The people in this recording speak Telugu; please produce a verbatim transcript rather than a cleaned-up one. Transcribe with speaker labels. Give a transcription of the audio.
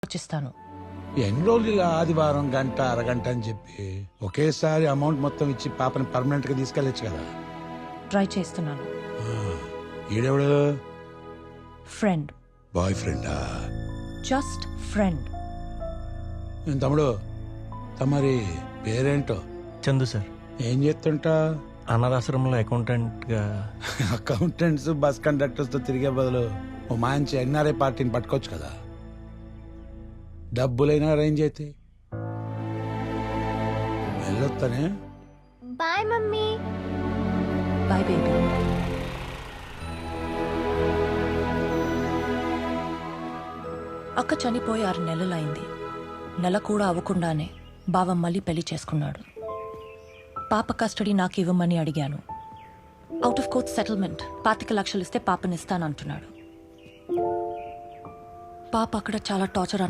Speaker 1: ఆలోచిస్తాను.
Speaker 2: ఎన్ని రోజులు ఇలా ఆదివారం గంట అరగంట అని చెప్పి ఒకేసారి అమౌంట్ మొత్తం ఇచ్చి పాపని పర్మనెంట్ గా తీసుకెళ్ళచ్చు కదా.
Speaker 1: ట్రై చేస్తున్నాను.
Speaker 2: ఈడెవడు?
Speaker 1: ఫ్రెండ్.
Speaker 2: బాయ్ ఫ్రెండా?
Speaker 1: Just friend.
Speaker 2: ఏం తమ్ముడు, తమరి పేరేంటో?
Speaker 3: చందు సార్.
Speaker 2: ఏం చేస్తుంటా?
Speaker 3: అనాథాశ్రమంలో అకౌంటెంట్ గా.
Speaker 2: అకౌంటెంట్స్ బస్ కండక్టర్స్ తో తిరిగే బదులు ఓ మంచి ఎన్ఆర్ఐ పార్టీని పట్టుకోవచ్చు కదా. డబ్బులైనా అరేంజ్ అయితే వెళ్ళొస్తానే.
Speaker 4: Bye mummy.
Speaker 1: Bye baby. అక్క చనిపోయి ఆరు నెలలైంది. నెల కూడా అవ్వకుండానే బావ మళ్ళీ పెళ్లి చేసుకున్నాడు. పాప కస్టడీ నాకు ఇవ్వమని అడిగాను. అవుట్ ఆఫ్ కోర్ట్ సెటిల్మెంట్ పాతిక లక్షలు ఇస్తే పాపనిస్తానంటున్నాడు. పాప అక్కడ చాలా టార్చర్